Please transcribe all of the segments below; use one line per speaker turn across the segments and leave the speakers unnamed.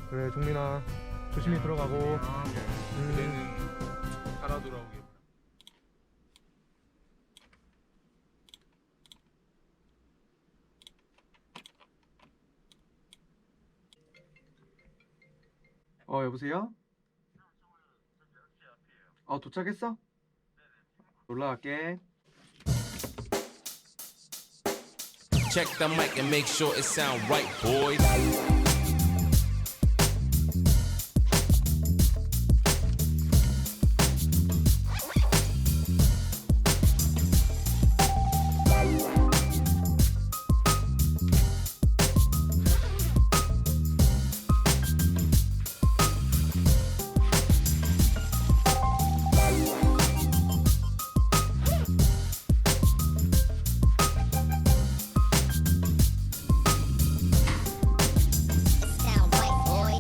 그래 종민아 조심히 들어가고.
그대는 살아 돌아오길.
여보세요? 도착했어? 올라갈게.
Check the mic and make sure it sound right, boys.
Sound white boy.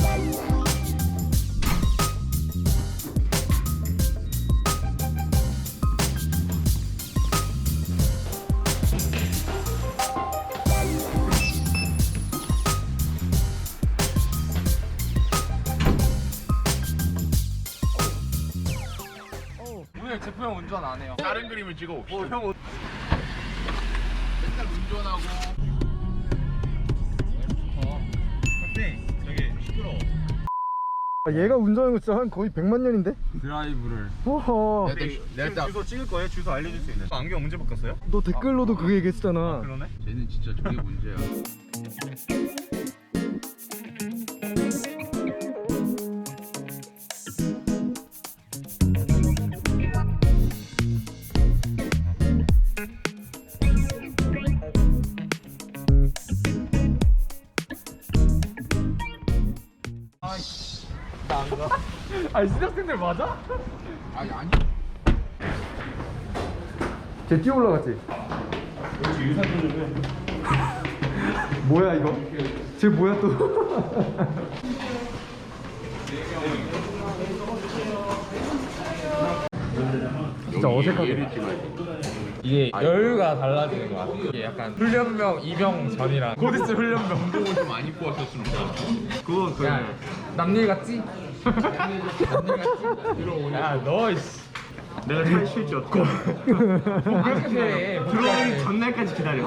오늘 제프 형 운전 안 해요. 다른 그림을 찍어봅시다.
형
맨날 운전하고. 근데 되게 시끄러워.
얘가 운전하는 거 진짜 한 거의 100만 년인데?
드라이브를.
허허.
내가 딱
주소 찍을 거예요? 주소 알려줄 수 있는. 안경 언제 바꿨어요?
너 댓글로도 그거 얘기했잖아.
그러네.
쟤는 진짜 저게 문제야.
아니 신학생들 맞아?
아니.
쟤 뛰어 올라갔지?
역시 유산소 좀 해.
뭐야 이거? 쟤 뭐야 또? 진짜 어색하게.
이게 여유가 달라지는 것 같아. 이게 약간 훈련병 입영 전이랑 곧 있을 훈련병.
운동을 좀 많이 입고 왔었으면 좋겠다.
그거
야, 남일 같지? 남일 같지? 야, 너 이씨.
내가 잘 칠지었고.
그래.
들어오기 전날까지 기다려.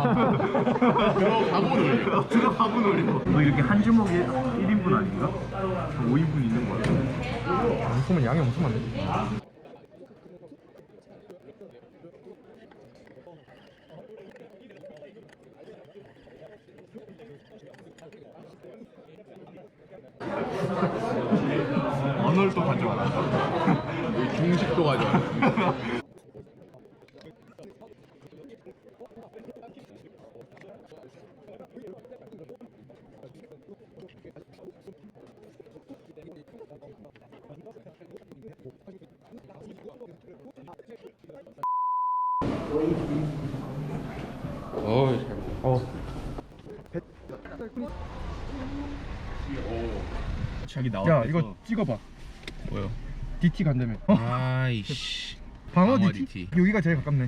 들어가고 놀려.
들어가고 놀려. 너 이렇게 한 주먹에 1인분 아닌가? 5인분 있는 거 같아.
무슨 양이 엄청 많네.
언어를 가져와라.
여기 중식도 가져와.
자기 나왔다.
야 이거 찍어봐.
뭐요?
DT 간다며.
아이씨.
방어
방어
DT?
DT.
여기가 제일 가깝네.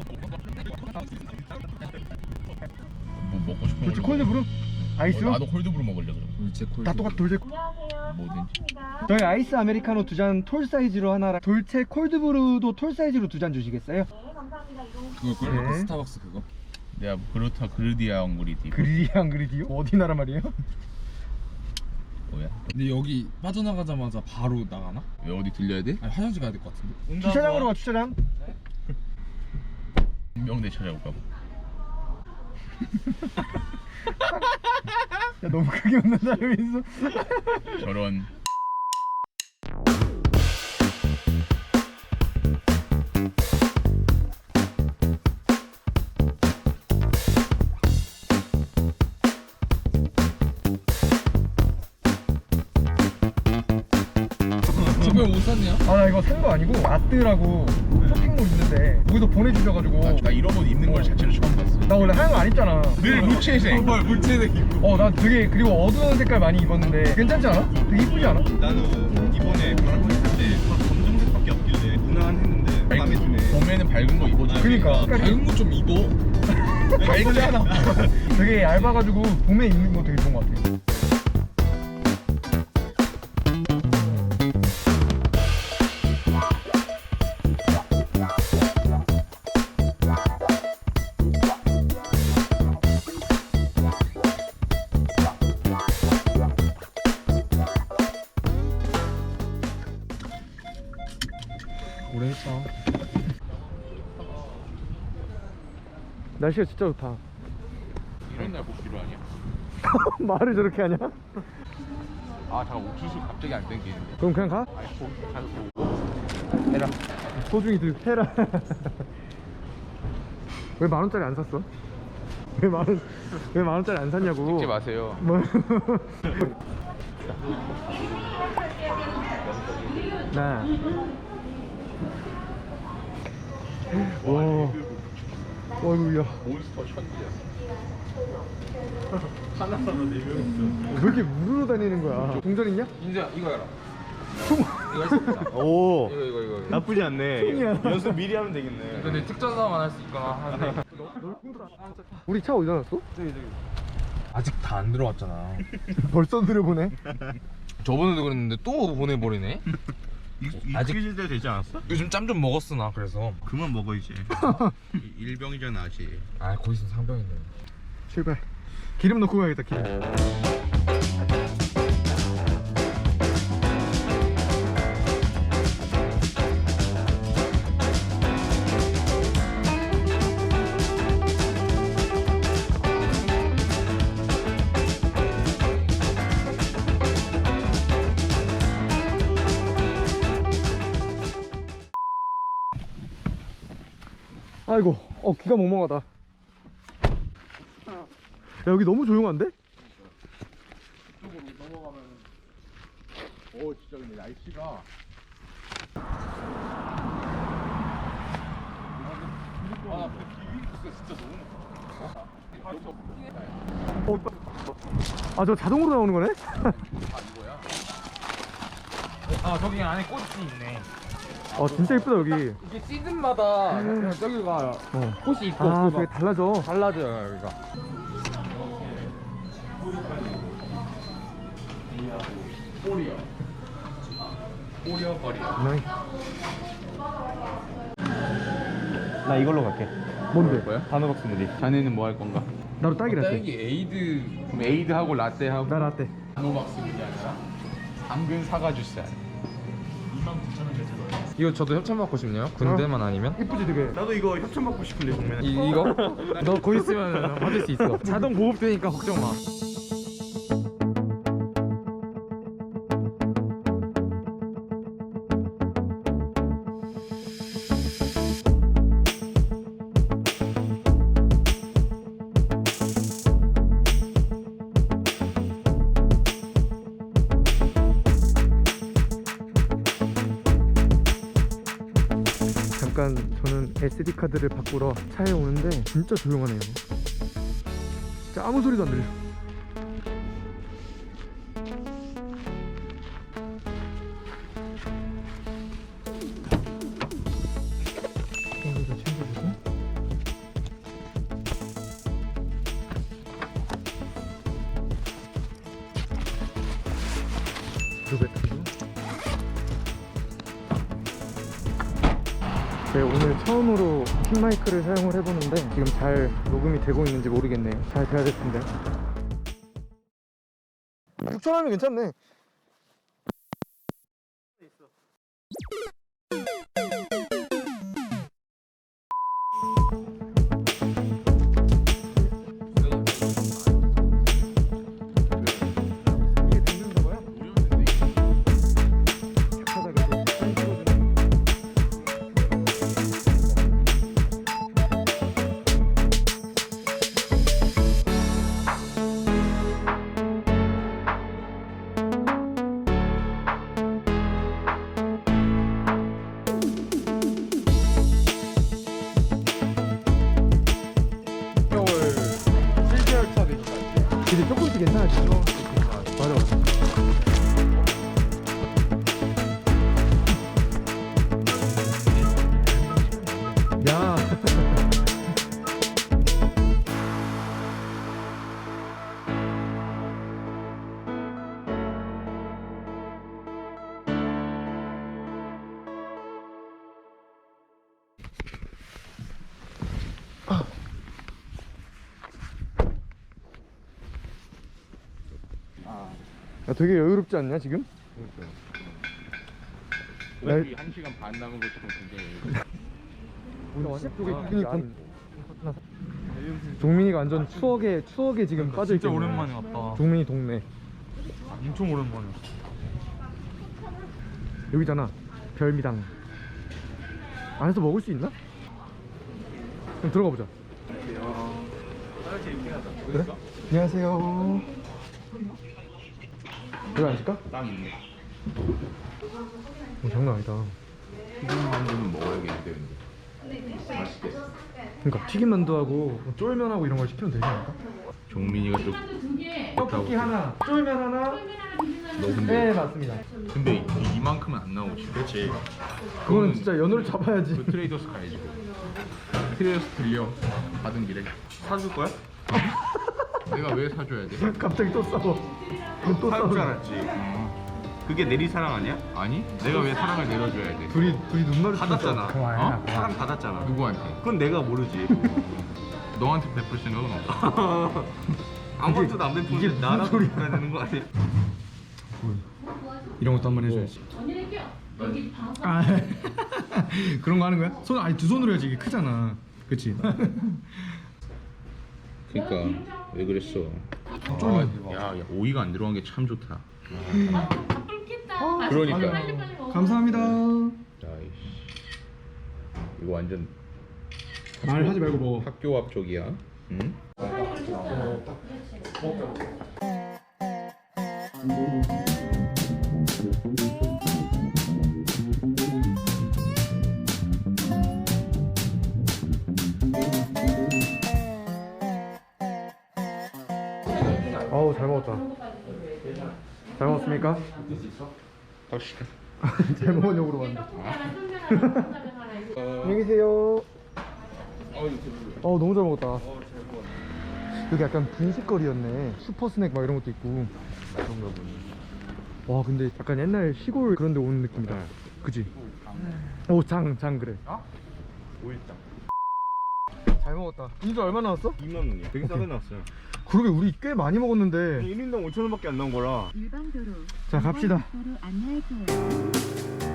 뭐 먹고 싶은
그렇지
거.
콜드브루? 아이스?
나도 콜드브루 먹으려 그래.
다 똑같아 돌체.
뭐든지.
저희 아이스 아메리카노 2잔 톨 사이즈로 하나랑 돌체 콜드브루도 톨 사이즈로 2잔 주시겠어요?
그거
네.
스타벅스 그거.
내가 그렇다 그르디아 엉그리디.
그리디안 그리디요? 어디 나라 말이에요?
뭐야?
근데 여기 빠져나가자마자 바로 나가나?
왜 어디 들려야 돼?
아니 화장실 가야 될 것 같은데.
주차장으로 가 주차장.
명대 찾아올까?
야 너무 크게 웃는 사람이 있어.
저런.
제프 형못 샀냐?
아 나 이거 산 거 아니고 아뜨라고 쇼핑몰 있는데 거기서 보내주셔가지고.
나 이런 옷 입는 걸 자체를 처음 봤어.
나 원래 하얀 거 안 입잖아.
늘 무채색.
뭘 물체색 입고.
난 되게 그리고 어두운 색깔 많이 입었는데 괜찮지 않아? 되게 이쁘지 않아?
나는 이번에 바람을 탈때다 검정색밖에 없길래 무난했는데 마음에 드네.
봄에는 밝은 거 입어줘.
그니까
밝은 거 좀 입어.
밝잖아.
되게 얇아가지고 봄에 입는 거 되게 좋은 것 같아. 날씨가 진짜 좋다.
이런 날 복귀로 아니야?
말을 저렇게 하냐?
아 잠깐 옥수수 갑자기 안 땡기는데.
그럼 그냥 가?
아니 가서
해라. 소중히 들 해라. 왜 10,000원짜리 안 샀어? 왜 10,000원짜리 안 샀냐고.
찍지 마세요.
뭐? 나. 와. 어이구야.
몬스터 천지야.
왜 이렇게 물으러 다니는 거야? 동전 있냐?
민수야 이거 해라.
총.
이거 할 수 있다.
오
이거.
나쁘지 않네.
총이야.
연습 미리 하면 되겠네.
근데 특전사만 할 수 있거나 하는데.
우리 차 어디다 놨어?
아직 다 안 들어왔잖아.
벌써 들여보네.
저번에도 그랬는데 또 보내버리네. 아직-
익숙해질 때 되지 않았어?
요즘 짬 좀 먹었어 나 그래서.
그만 먹어 이제. 일병이잖아 아직.
아 거기 있으면 상병인데.
출발. 기름 넣고 가야겠다. 기름. 아이고, 귀가 멍멍하다. 야, 여기 너무 조용한데?
오 진짜 근데 날씨가. 아 비비스 진짜 너무.
아, 저 자동으로 나오는 거네?
아 이거야?
아 저기 안에 꽃이 있네.
진짜 이쁘다, 여기.
이게 시즌마다 그냥 저기가 꽃이 있고
아,
없고
되게
막
달라져.
달라져요 여기가.
꼬리어 거리야.
나이.
나 이걸로 갈게.
뭔데?
뭐야?
단호박스 무디.
자네는 뭐 할 건가?
나도 딸기라떼.
딸기 에이드. 그럼 에이드하고 라떼하고.
나 라떼.
단호박스 그게 아니라 당근 사과 주스.
이거 저도 협찬 받고 싶네요. 군대만 아니면.
이쁘지, 되게.
나도 이거 협찬 받고 싶은데 정면.
이거? 너 거기 있으면 받을 수 있어. 자동 보급되니까 걱정 마.
잠깐 저는 SD 카드를 바꾸러 차에 오는데 진짜 조용하네요. 진짜 아무 소리도 안 들려. 이거도 챙겨주고. 루베타도. 네, 오늘 처음으로 핀 마이크를 사용을 해보는데 지금 잘 녹음이 되고 있는지 모르겠네요. 잘 돼야 될 텐데. 6,000원이면 괜찮네. 이게 되는 거야? 착하다가 이제 사인 찍어주는.
겨울 7개월 차 되니까.
근데 조금씩 괜찮아지죠? 맞아, 맞아. 야. 야, 되게 여유롭지 않냐 지금?
여기 1시간 반 남은 거 지금 굉장히.
우리 쪽에 그니까 종민이가 완전 추억에 지금 빠져있겠네.
진짜 오랜만에 왔다.
종민이 동네
엄청 오랜만에 왔어.
여기잖아. 별미당. 안에서 먹을 수 있나? 그럼 들어가 보자. 그래? 안녕하세요. 여기 앉을까?
땅 있네.
장난 아니다.
튀김만두는 먹어야겠는데. 맛있겠어.
그러니까 튀김만두하고 쫄면하고 이런 걸 시키면 되지 않을까?
종민이가 좀
떡볶이 하나, 쫄면 하나.
너 근데
네, 맞습니다.
근데 이만큼은 안 나오지. 그렇지.
그거는 진짜 연어를 잡아야지.
그 트레이더스 가야지. 트레이더스 들려. 받은 길에.
사줄 거야?
내가 왜 사줘야 돼?
갑자기 또 싸워. 또
사줄 줄
싸워.
알았지. 그게 내리사랑 아니야?
아니? 내가 왜 사랑을 내려줘야 돼?
둘이 눈 마주치고
받았잖아.
그거 아니야.
어?
사랑 받았잖아.
누구한테?
그건 내가 모르지.
너한테 베풀 생각은 없어.
아무것도 안
이게
베푸는데
무슨
나랑
소리야.
베풀어야 되는 거 아니야?
이런 것도 한번 해줘야지. 아, 그런 거 하는 거야? 손 아니 두 손으로 해야지. 이게 크잖아. 그치?
그러니까 왜 그랬어? 야, 오이가 안 들어간 게 참 좋다. 그러니까.
감사합니다.
아이씨. 이거 완전
말하지 말고 먹어.
학교 앞 쪽이야. 응?
어우 잘 먹었다. 잘 먹었습니까?
갑시다.
잘 먹으려고 그러는데. 안녕히 계세요. 너무 잘 먹었다. 여기 약간 분식거리였네. 슈퍼 스낵 막 이런 것도 있고.
그런가 보네.
와 근데 약간 옛날 시골 그런 데 오는 느낌이다. 그치? 오 장 그래.
오일장.
잘 먹었다. 인수 얼마 나왔어?
2만 원이야. 되게 싸게 나왔어요.
그러게 우리 꽤 많이 먹었는데.
1인당 5천 원밖에 안 나온 거라.
일반 도로.
자 갑시다.
도로 안내할게요.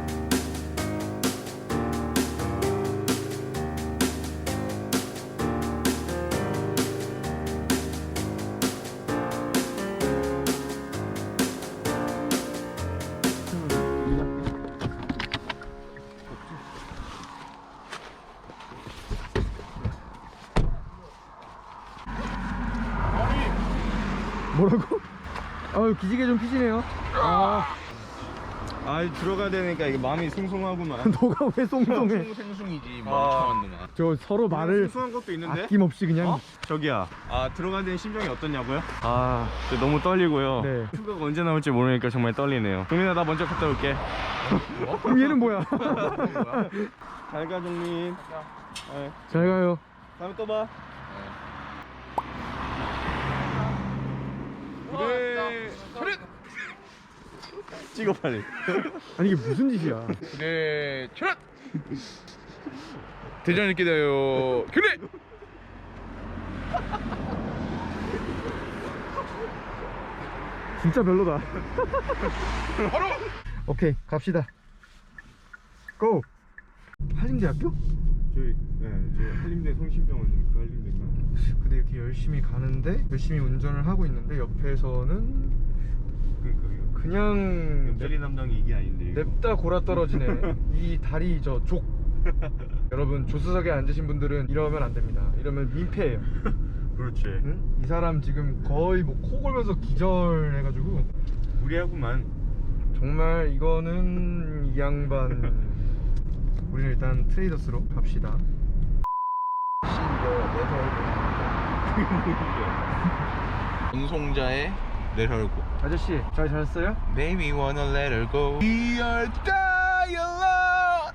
뭐라고? 아유 기지개 좀 피시네요.
들어가야 되니까 이게 마음이 숭숭하구만.
너가 왜 송송해?
생숭이지 멍청한 놈아.
저 서로 말을
숭숭한 것도 있는데?
아낌없이 그냥.
저기야. 들어가야 되는 심정이 어떠냐고요?
아
너무 떨리고요.
네.
휴가가 언제 나올지 모르니까 정말 떨리네요. 종민아 나 먼저 갔다 올게.
그럼 얘는 뭐야?
잘 가 종민.
잘 가요.
다음에 또 봐. 그래. 찍어 빨리.
아니 이게 무슨 짓이야?
그래, 첫! 대전을 기다려. 그래!
진짜 별로다.
바로!
오케이 갑시다. 고! 한림대학교?
저희 한림대 성심병원님 그 한림대가.
근데 이렇게 열심히 가는데 열심히 운전을 하고 있는데 옆에서는
그러니까
그냥
옆자리 담당이 이게 아닌데. 이거.
냅다 골아 떨어지네. 이 다리 저 족. 여러분 조수석에 앉으신 분들은 이러면 안 됩니다. 이러면 민폐예요.
그렇지.
응? 이 사람 지금 거의 뭐 코 골면서 기절해가지고
무리하구만.
정말 이거는 이 양반. 우리는 일단 트레이더스로 갑시다.
운송자의 Let her go.
아저씨 잘 잤어요?
Baby wanna let her go. We are die alone.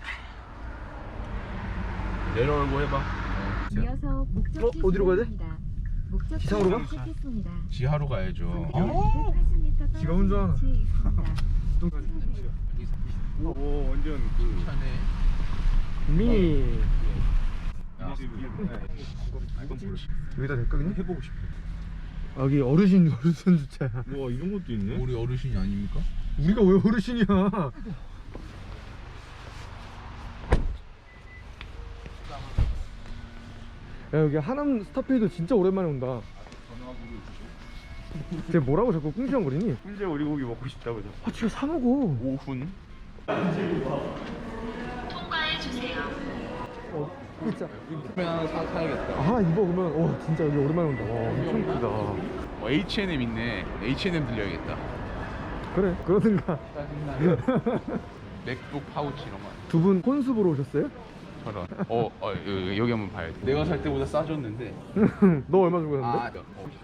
Let her go 해봐.
이어서 목적지
어디로 가야 돼?
지나갑니다. 목적지
지상으로 가?
도착했습니다.
지하로 가야죠.
어?
80m
지가 운전하나?
오 완전 그.
차네.
미
야.
여기다 될까 그냥?
해보고 싶어.
여기 어르신 주차야.
와 이런 것도 있네.
우리 어르신이 아닙니까?
우리가 왜 어르신이야? 야 여기 하남 스타필드 진짜 오랜만에 온다. 쟤 뭐라고 자꾸 꿍시렁거리니?
훈제 오리고기 먹고 싶다고 저.
아 지금 사 먹어.
5분?
진짜.
그러면 하나 사야겠다.
아 이거 그러면 진짜 여기 오랜만에 온다. 와 엄청 크다.
H&M 있네. H&M 들려야겠다.
그래 그러든가.
맥북 파우치 이런 거.
두 분 혼수 보러 오셨어요?
저런. 여기 한번 봐야 돼. 내가 살 때보다 싸졌는데.
너 얼마 주고 샀는데?
아,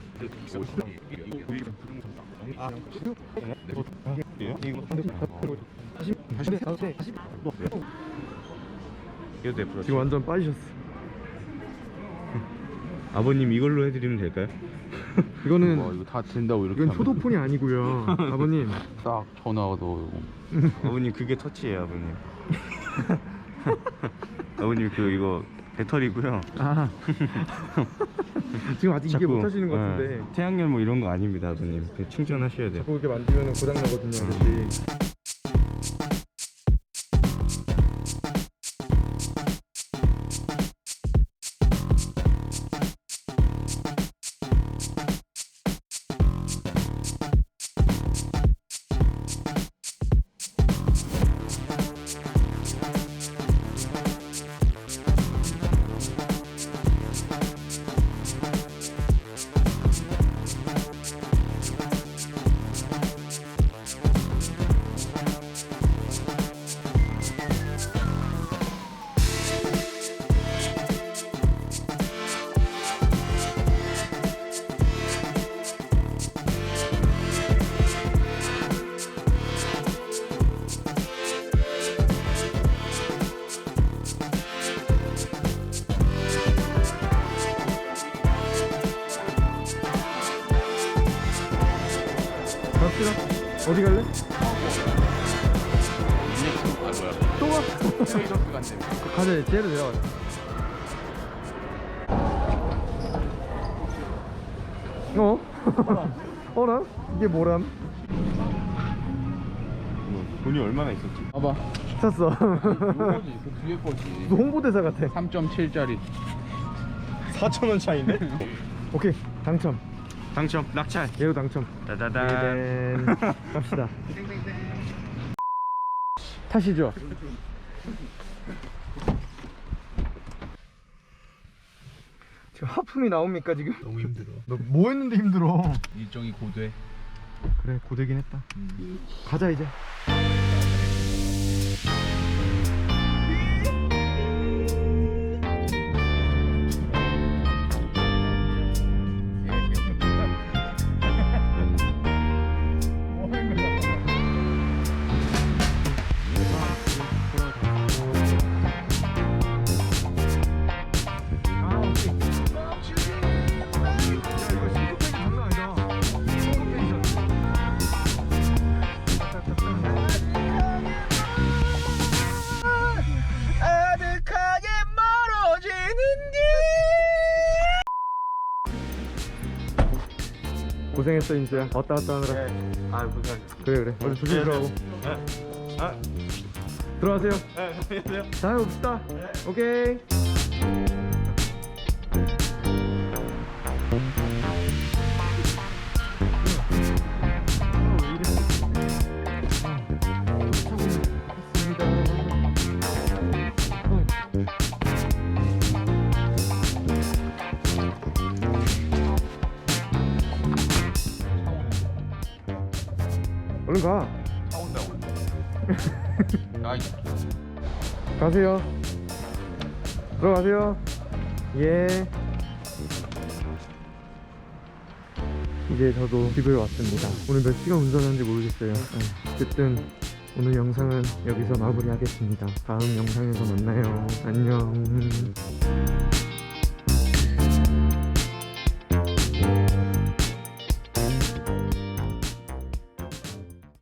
이거 내
지금 완전 빠지셨어.
아버님 이걸로 해드리면 될까요?
이거는
이거 다 된다고 이렇게
이건
하면
효도폰이 아니고요. 아버님.
딱 전화도
아버님 그게 터치예요 아버님. 아버님 그 이거 배터리고요.
아. 지금 아직 이게 못 하시는 것 같은데.
네, 태양열 뭐 이런 거 아닙니다 아버님. 그 충전하셔야 돼요.
자꾸 이렇게 만지면 고장 나거든요, 아저씨. 갑시다. 어디 갈래? 또 가? 가자, 쟤로 내려가자. 어라? 이게 뭐람?
돈이 얼마나 있었지?
봐봐.
샀어.
이거지. 그 뒤에 거지.
너 홍보대사 같아.
3.7짜리.
4,000원 차인데?
오케이, 당첨.
당첨 낙찰.
얘로 당첨.
따다단.
갑시다. 타시죠. 지금 하품이 나옵니까 지금?
너무 힘들어.
너 뭐 했는데 힘들어?
일정이 고돼.
그래 고되긴 했다. 가자 이제. 고생했어 인수야. 왔다 갔다 하느라.
아 고생하셨어요.
그래 얼른 조심히 들어가고.
아,
들어가세요.
안녕하세요.
다음에 봅시다. 오케이. 얼른 가.
차 온다고. 아이.
가세요. 들어가세요. 예. 이제 저도 집에 왔습니다. 오늘 몇 시간 운전하는지 모르겠어요. 어쨌든 오늘 영상은 여기서 마무리하겠습니다. 다음 영상에서 만나요. 안녕.